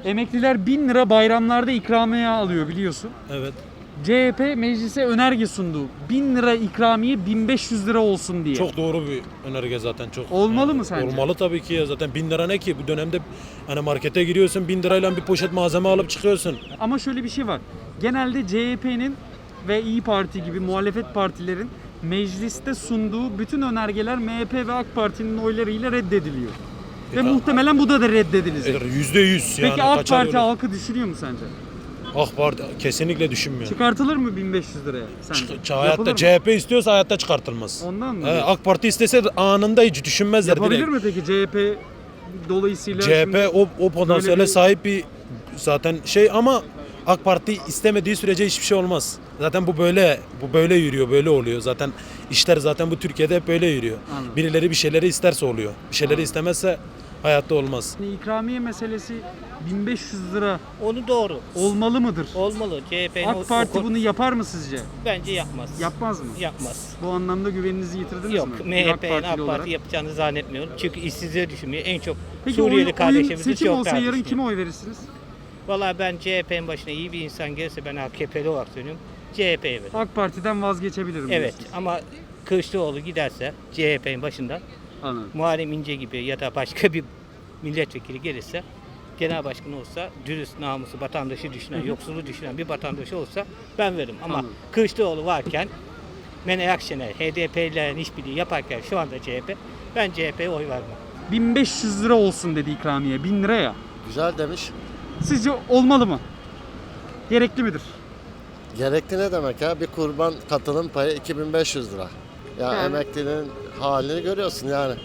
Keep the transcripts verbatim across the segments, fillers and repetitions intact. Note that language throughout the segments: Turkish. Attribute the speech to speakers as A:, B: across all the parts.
A: Emekliler bin lira bayramlarda ikramiye alıyor biliyorsun.
B: Evet.
A: C H P meclise önerge sundu. bin lira ikramiye bin beş yüz lira olsun diye.
B: Çok doğru bir önerge zaten çok.
A: Olmalı
B: yani,
A: mı sence?
B: Olmalı tabii ki ya, zaten bin lira ne ki bu dönemde, hani markete giriyorsun bin lirayla bir poşet malzeme alıp çıkıyorsun.
A: Ama şöyle bir şey var. Genelde C H P'nin ve İyi Parti gibi muhalefet partilerin mecliste sunduğu bütün önergeler M H P ve AK Parti'nin oylarıyla reddediliyor. Ve
B: E,
A: muhtemelen bu da da reddedilecek.
B: Yüzde yüz yani.
A: Peki AK
B: kaçar
A: Parti
B: öyle.
A: halkı düşünüyor mu sence?
B: AK Parti kesinlikle düşünmüyor.
A: Çıkartılır mı bin beş yüz liraya sence?
B: Çık-
A: Yapılır
B: hayatta
A: mı?
B: C H P istiyorsa hayatta çıkartılmaz.
A: Ondan mı?
B: He, AK Parti istese anında hiç düşünmezler
A: Yapabilir
B: direkt.
A: mi peki C H P dolayısıyla?
B: C H
A: şimdi
B: P o, o potansiyele
A: bir-
B: sahip bir zaten şey, ama AK Parti istemediği sürece hiçbir şey olmaz. Zaten bu böyle bu böyle yürüyor, böyle oluyor. Zaten işler zaten bu Türkiye'de hep böyle yürüyor.
A: Anladım.
B: Birileri bir şeyleri isterse oluyor. Bir şeyleri
A: Anladım.
B: istemezse hayatta olmaz.
A: İkramiye meselesi bin beş yüz lira
C: Onu doğru.
A: olmalı mıdır?
C: Olmalı. C H P'nin
A: AK Parti bunu yapar mı sizce?
C: bence yapmaz.
A: Yapmaz mı?
C: Yapmaz.
A: Bu anlamda güveninizi yitirdiniz
C: Yok.
A: mi?
C: M
A: Bir
C: H
A: AK
C: P'nin
A: Partili
C: AK
A: olarak.
C: Parti yapacağını zannetmiyorum. Çünkü işsizliği düşünmüyor. En çok
A: Peki
C: Suriyeli
A: oyun, oyun
C: kardeşlerimizi
A: seçim
C: çok
A: olsa
C: daha
A: yarın
C: düşünüyor.
A: kime oy verirsiniz?
C: Valla ben C H P'nin başına iyi bir insan gelirse ben A K P'li olarak söylüyorum. C H P'ye veririm.
A: AK Parti'den vazgeçebilirim
C: Evet
A: diyorsunuz.
C: ama Kılıçdaroğlu giderse C H P'nin başından
A: Anladım.
C: Muharrem İnce gibi ya da başka bir milletvekili gelirse, genel başkan olsa, dürüst, namusu, vatandaşı düşünen, yoksulu düşünen bir vatandaş olsa ben veririm. Ama
A: Anladım.
C: Kılıçdaroğlu varken, Meral Akşener, H D P'lilerin işbirliği yaparken şu anda C H P, ben C H P'ye oy vermem.
A: bin beş yüz lira olsun dedi ikramiye. bin lira ya.
D: Güzel demiş.
A: Sizce olmalı mı? Gerekli midir?
D: Gerekli ne demek ya? Bir kurban katılım payı iki bin beş yüz lira. Ya
A: Yani-
D: emeklinin halini görüyorsun yani.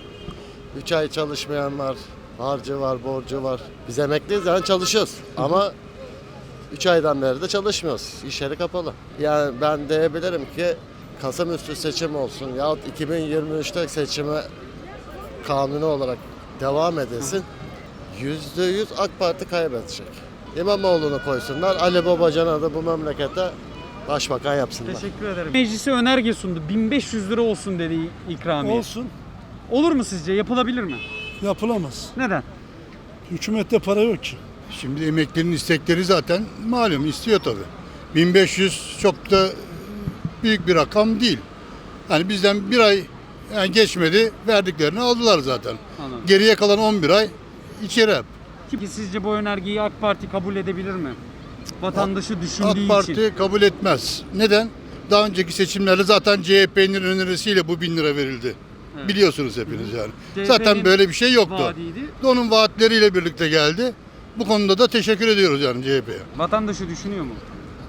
D: üç ay çalışmayan var, harcı var, borcu var. Biz emekliyiz yani çalışıyoruz. Ama üç aydan beri de çalışmıyoruz. İş yeri kapalı. Yani ben diyebilirim ki Kasım üstü seçim olsun yahut iki bin yirmi üçte seçime kanuni olarak devam edilsin. Yüzde yüz AK Parti kaybedecek. İmamoğlu'nu koysunlar, Ali Babacan'a da bu memlekete başbakan yapsınlar.
A: Teşekkür ederim. Meclise önerge sundu. bin beş yüz lira olsun dedi ikramiye.
E: Olsun.
A: Olur mu sizce? Yapılabilir mi?
E: Yapılamaz.
A: Neden?
E: Hükümette para yok ki.
F: Şimdi emeklinin istekleri zaten malum istiyor tabii. bin beş yüz çok da büyük bir rakam değil. Hani bizden bir ay yani geçmedi, verdiklerini aldılar zaten.
A: Anladım.
F: Geriye kalan on bir ay içeri hep.
A: Ki sizce bu önergeyi AK Parti kabul edebilir mi? Vatandaşı düşündüğü
F: AK Parti
A: için.
F: kabul etmez. Neden? Daha önceki seçimlerde zaten C H P'nin önerisiyle bu bin lira verildi.
A: Evet.
F: Biliyorsunuz hepiniz yani.
A: C H P'nin
F: Zaten böyle bir şey yoktu.
A: Vaadiydi.
F: Onun vaatleriyle birlikte geldi. Bu konuda da teşekkür ediyoruz yani C H P'ye.
A: Vatandaşı düşünüyor mu?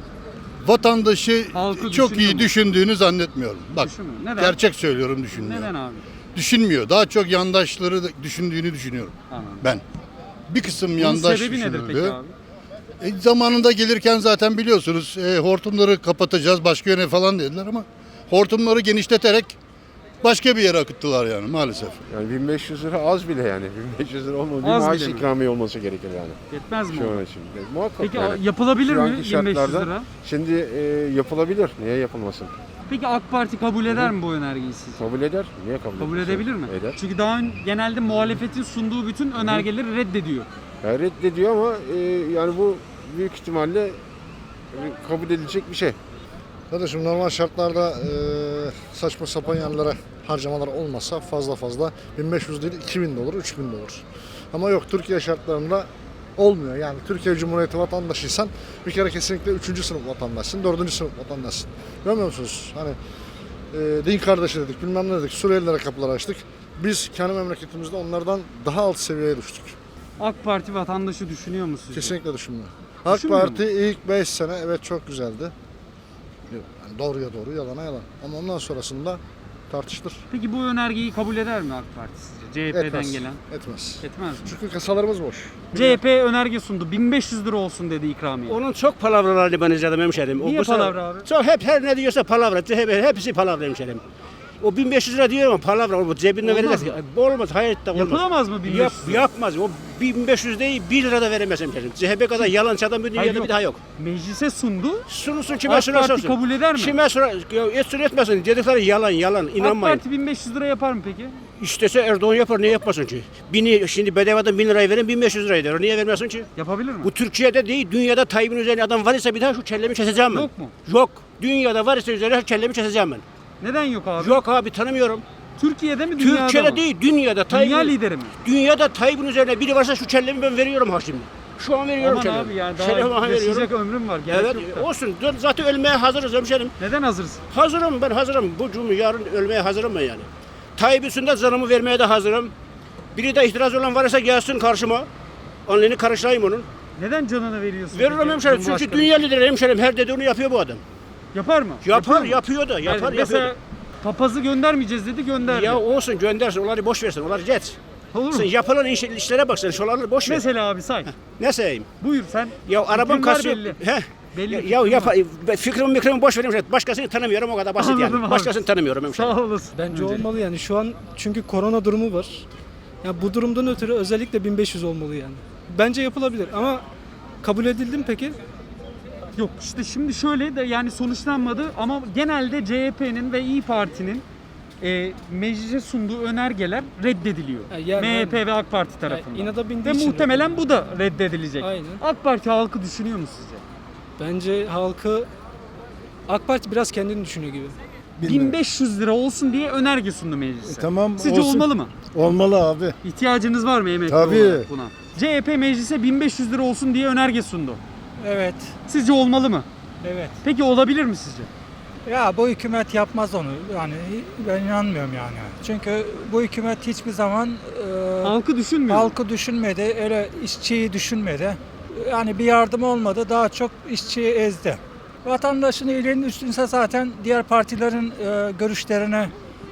F: Vatandaşı
A: Halkı
F: çok
A: düşünüyor
F: iyi
A: mu?
F: düşündüğünü zannetmiyorum. Bak
A: Düşünmüyor. Neden?
F: gerçek söylüyorum düşünmüyor.
A: Neden abi?
F: Düşünmüyor. Daha çok yandaşları da düşündüğünü düşünüyorum
A: Anladım.
F: ben. Bir kısım
A: Bunun
F: yandaş
A: sebebi nedir peki
F: düşünüldü.
A: abi?
F: E, zamanında gelirken zaten biliyorsunuz e, hortumları kapatacağız başka yöne falan dediler ama hortumları genişleterek başka bir yere akıttılar yani maalesef.
G: Yani bin beş yüz lira az bile yani. bin beş yüz lira olmadı. Bir
A: Az
G: maaş
A: bile mi?
G: ikramiye olması gerekir yani.
A: Yetmez mi?
G: Şu
A: o?
G: an için. E, muhakkak
A: Peki
G: yani.
A: yapılabilir
G: Şu
A: mi
G: anki
A: bin beş yüz
G: şartlarda-
A: lira?
G: Şimdi e, yapılabilir. Niye yapılmasın?
A: Peki AK Parti kabul eder mi bu önergeyi sizce?
G: Kabul eder. Niye kabul
A: Kabul
G: etmesin?
A: edebilir mi?
G: Eder.
A: Çünkü daha ön- genelde muhalefetin sunduğu bütün önergeleri reddediyor.
G: Yani reddediyor ama e, yani bu büyük ihtimalle e, kabul edilecek bir şey.
H: Kardeşim normal şartlarda e, saçma sapan yerlere harcamalar olmasa fazla fazla bin beş yüz değil iki bin de olur, üç bin de olur. Ama yok Türkiye şartlarında olmuyor. Yani Türkiye Cumhuriyeti vatandaşıysan bir kere kesinlikle üçüncü sınıf vatandaşsın, dördüncü sınıf vatandaşsın. Görmüyor musunuz? Hani e, din kardeşi dedik, bilmem ne dedik, Suriyelilere kapılar açtık. Biz kendi memleketimizde onlardan daha alt seviyeye düştük.
A: AK Parti vatandaşı düşünüyor mu sizce?
H: Kesinlikle düşünmüyor. AK
A: Düşünmüyor
H: Parti ilk beş sene evet çok güzeldi. Yani doğruya doğru, yalana yalan. Ama ondan sonrasında tartışılır.
A: Peki bu önergeyi kabul eder mi AK Parti sizce? C H P'den
H: Etmez.
A: gelen.
H: Etmez.
A: Etmez mi?
H: Çünkü kasalarımız boş.
A: C H P önerge sundu. bin beş yüz lira olsun dedi ikramiye.
I: Onun çok palavralarını ben izledim hemşerim. O
A: Niye
I: bu sefer-
A: palavra abi?
I: Çok hep her ne diyorsa palavra. Hep, hepsi palavra hemşerim. O bin beş yüz lira diyor ama palavra. O cebinden
A: Olmaz
I: verecek. Olmaz. Hayatta olmaz.
A: Yapılamaz mı bin beş
I: Yap,
A: yüz lira?
I: yapmaz. O bin beş yüz değil bir lira da veremez hemşerim. C H P kadar yalancı adam bu
A: Hayır,
I: dünyada
A: yok.
I: bir daha yok.
A: Meclise sundu.
I: Sunulsun kime
A: AK
I: sunarsa
A: Parti
I: olsun.
A: kabul eder mi?
I: Kime sorar, ya etsin etmesin. Dedikleri yalan yalan.
A: AK
I: İnanmayın.
A: Parti bin beş yüz lira yapar mı peki?
I: İstese Erdoğan yapar, niye yapmasın ki? Bini, şimdi bedavadan bin lirayı verin, bin beş yüz lirayı verir. Niye vermiyorsun ki?
A: Yapabilir mi?
I: Bu Türkiye'de değil, dünyada Tayyip'in üzerine adam var ise bir daha şu kellemi keseceğim ben.
A: Yok mu?
I: Yok. Dünyada var ise üzerine şu kellemi keseceğim ben.
A: Neden yok abi?
I: Yok abi, tanımıyorum.
A: Türkiye'de mi dünyada
I: Türkiye'de
A: mı?
I: değil, dünyada.
A: Dünya
I: Tayyip'in-
A: lideri mi?
I: Dünyada Tayyip'in üzerine biri varsa şu kellemi ben veriyorum ha şimdi. Şu an veriyorum
A: Aman
I: kellemi.
A: abi yani daha
I: Kellemi ha
A: yaşayacak
I: veriyorum.
A: ömrüm var. Gerek
I: Evet,
A: yok da.
I: olsun. Dur, zaten ölmeye hazırız hemşerim.
A: Neden hazırsın?
I: Hazırım, ben hazırım. Bu cumhur yarın ölmeye hazırım ben yani. Tayyip üstünde canımı vermeye de hazırım. Biri de itiraz olan varsa gelsin karşıma. Onlarını karıştırayım onun.
A: Neden canını veriyorsun?
I: Veririm
A: peki
I: hemşerim. Çünkü
A: Cumhurbaşkanı?
I: dünya lideri hemşerim. Her dediğini yapıyor bu adam.
A: Yapar mı?
I: Yapar,
A: mu?
I: yapıyor da. Yapar,
A: Yani
I: yapıyor
A: mesela
I: da.
A: papazı göndermeyeceğiz dedi, gönderdi.
I: Ya olsun, göndersin. Onları boş versin. Onları geç.
A: Olur
I: Sen
A: mu?
I: yapılan iş, işlere bak sen. Şuraları boş ver.
A: Mesela abi say.
I: Ne sayayım?
A: Buyur sen.
I: Ya arabam
A: Fikrin var
I: kasıyor.
A: belli.
I: He.
A: Belli
I: Ya,
A: fikrin
I: ya
A: var.
I: yap, fikrimi mikrimi boş verin. Başkasını tanımıyorum, o kadar basit
A: Anladım
I: yani.
A: abi.
I: Başkasını tanımıyorum hemşerim.
A: Sağ olasın.
J: Bence
A: Öncelikle.
J: olmalı yani. Şu an çünkü korona durumu var. Ya bu durumdan ötürü özellikle bin beş yüz olmalı yani. Bence yapılabilir ama kabul edildi mi peki?
A: Yok işte şimdi şöyle de yani sonuçlanmadı ama genelde C H P'nin ve İyi Parti'nin e, meclise sunduğu önergeler reddediliyor.
J: Ha, yani
A: M H P
J: hani-
A: ve AK Parti tarafından.
J: inada bindiği
A: Ve
J: için
A: muhtemelen bu da reddedilecek.
J: Aynen.
A: AK Parti halkı düşünüyor mu sizce?
J: Bence halkı AK Parti biraz kendini düşünüyor gibi.
A: bin beş yüz lira olsun diye önerge sundu meclise.
E: Tamam
A: Sizce
E: olsun.
A: olmalı mı?
E: Olmalı abi.
A: İhtiyacınız var mı emekli
E: Tabii.
A: olarak buna? C H P meclise bin beş yüz lira olsun diye önerge sundu.
K: Evet,
A: Sizce olmalı mı?
K: evet.
A: Peki olabilir mi sizce?
K: Ya bu hükümet yapmaz onu. Yani ben inanmıyorum yani. Çünkü bu hükümet hiçbir zaman e,
A: Halkı düşünmüyor. mu?
K: halkı düşünmedi, öyle işçiyi düşünmedi. Yani bir yardım olmadı, daha çok işçiyi ezdi. Vatandaşın iyiliğinin üstünse zaten diğer partilerin e, görüşlerine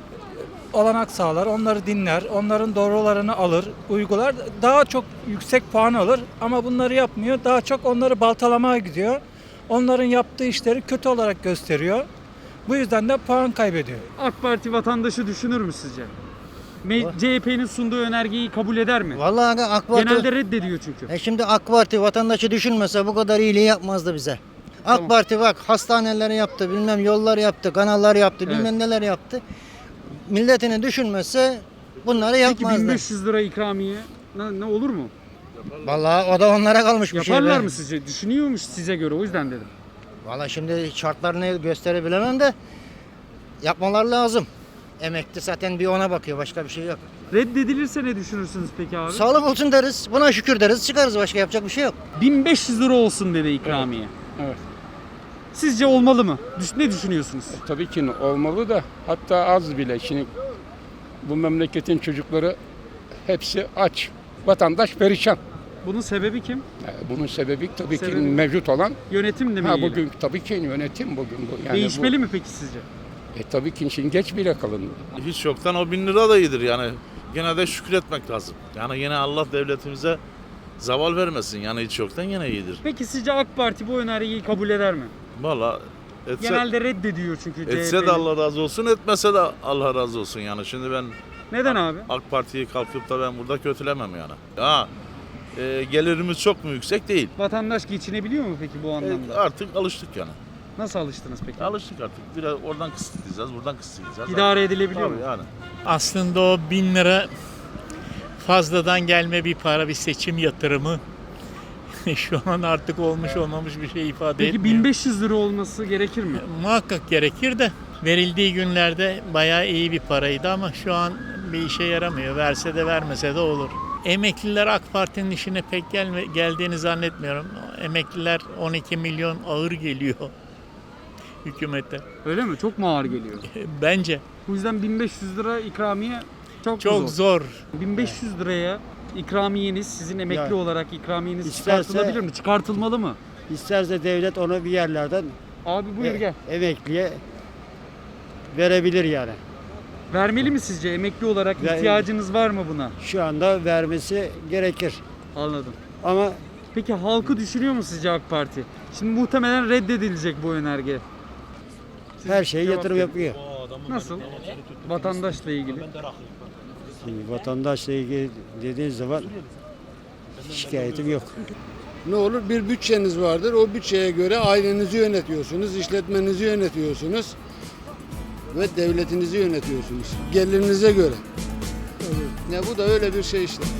K: olanak sağlar, onları dinler, onların doğrularını alır, uygular. Daha çok yüksek puan alır ama bunları yapmıyor. Daha çok onları baltalamaya gidiyor. Onların yaptığı işleri kötü olarak gösteriyor. Bu yüzden de puan kaybediyor.
A: AK Parti vatandaşı düşünür mü sizce? Me- C H P'nin sunduğu önergeyi kabul eder mi?
L: Vallahi AK Parti,
A: Genelde reddediyor çünkü.
L: e şimdi AK Parti vatandaşı düşünmese bu kadar iyiliği yapmazdı bize. AK
A: Tamam.
L: Parti bak hastaneleri yaptı, bilmem yollar yaptı, kanallar yaptı,
A: Evet.
L: bilmem neler yaptı. Milletini düşünmese bunları
A: Peki
L: yapmazdı.
A: bin beş yüz lira ikramiye ne, ne olur mu?
L: Vallahi o da onlara kalmış bir şey.
A: Yaparlar
L: be.
A: mı sizce? Düşünüyormuş size göre o yüzden dedim.
L: Vallahi şimdi şartlarını gösterebilemem de yapmalar lazım. Emekli zaten bir ona bakıyor, başka bir şey yok.
A: Reddedilirse ne düşünürsünüz peki abi?
L: Sağlık olsun deriz, buna şükür deriz, çıkarız, başka yapacak bir şey yok.
A: bin beş yüz lira olsun dedi ikramiye.
M: Evet.
A: Sizce olmalı mı? Düş- Ne düşünüyorsunuz?
M: Tabii ki olmalı da hatta az bile. Şimdi bu memleketin çocukları hepsi aç. Vatandaş perişan.
A: Bunun sebebi kim?
M: Yani bunun sebebi tabii
A: Sebebi?
M: ki mevcut olan.
A: Yönetimle mi
M: Ha
A: ilgili?
M: bugün tabii ki yönetim bugün bu. Yani
A: Değişmeli mi peki sizce?
M: Bu, e, tabii ki şimdi geç bile kalındı.
N: Hiç yoktan o bin lira da iyidir yani. Gene de şükretmek lazım. Yani yine Allah devletimize zaval vermesin. Yani hiç yoktan yine iyidir.
A: Peki sizce AK Parti bu önergeyi kabul eder mi?
N: Valla etse,
A: Genelde reddediyor çünkü C H P'yi.
N: etse de Allah razı olsun, etmese de Allah razı olsun yani. Şimdi ben
A: Neden abi?
N: AK Parti'yi kalkıp da ben burada kötülemem yani. Ha, e, gelirimiz çok mu yüksek değil.
A: Vatandaş geçinebiliyor mu peki bu
N: E,
A: anlamda?
N: artık alıştık yani.
A: Nasıl alıştınız peki?
N: Alıştık artık. Biraz oradan kısıtlayacağız, buradan kısıtlayacağız.
A: İdare edilebiliyor
N: Tabii
A: mu?
N: yani.
O: Aslında o bin lira fazladan gelme bir para, bir seçim yatırımı. Şu an artık olmuş olmamış bir şey ifade
A: Peki
O: etmiyor.
A: bin beş yüz lira olması gerekir mi?
O: Muhakkak gerekir de verildiği günlerde bayağı iyi bir paraydı ama şu an bir işe yaramıyor. Verse de vermese de olur. Emekliler AK Parti'nin işine pek gelme, geldiğini zannetmiyorum. Emekliler on iki milyon ağır geliyor hükümete.
A: Öyle mi? Çok mu ağır geliyor?
O: Bence
A: Bu yüzden bin beş yüz lira ikramiye çok,
O: çok
A: zor.
O: zor.
A: bin beş yüz liraya ikramiyeniz, sizin emekli
I: Yani
A: olarak ikramiyeniz
I: isterse-
A: çıkartılabilir mi? Çıkartılmalı mı?
I: İsterse devlet onu bir yerlerden
A: Abi buyur
I: e,
A: gel.
I: emekliye verebilir yani.
A: Vermeli mi sizce? Emekli olarak
I: Ver-
A: ihtiyacınız var mı buna?
I: Şu anda vermesi gerekir.
A: Anladım.
I: Ama
A: Peki halkı düşünüyor mu sizce AK Parti? Şimdi muhtemelen reddedilecek bu önerge. Siz
I: her şeye
A: cevap
I: yatırım
A: verin.
I: yapıyor.
A: Nasıl? Vatandaşla ilgili.
I: Şimdi vatandaşla ilgili dediğiniz zaman şikayetim yok.
F: Ne olur bir bütçeniz vardır. O bütçeye göre ailenizi yönetiyorsunuz, işletmenizi yönetiyorsunuz ve devletinizi yönetiyorsunuz. Gelirinize göre.
G: Ya bu da öyle bir şey işte.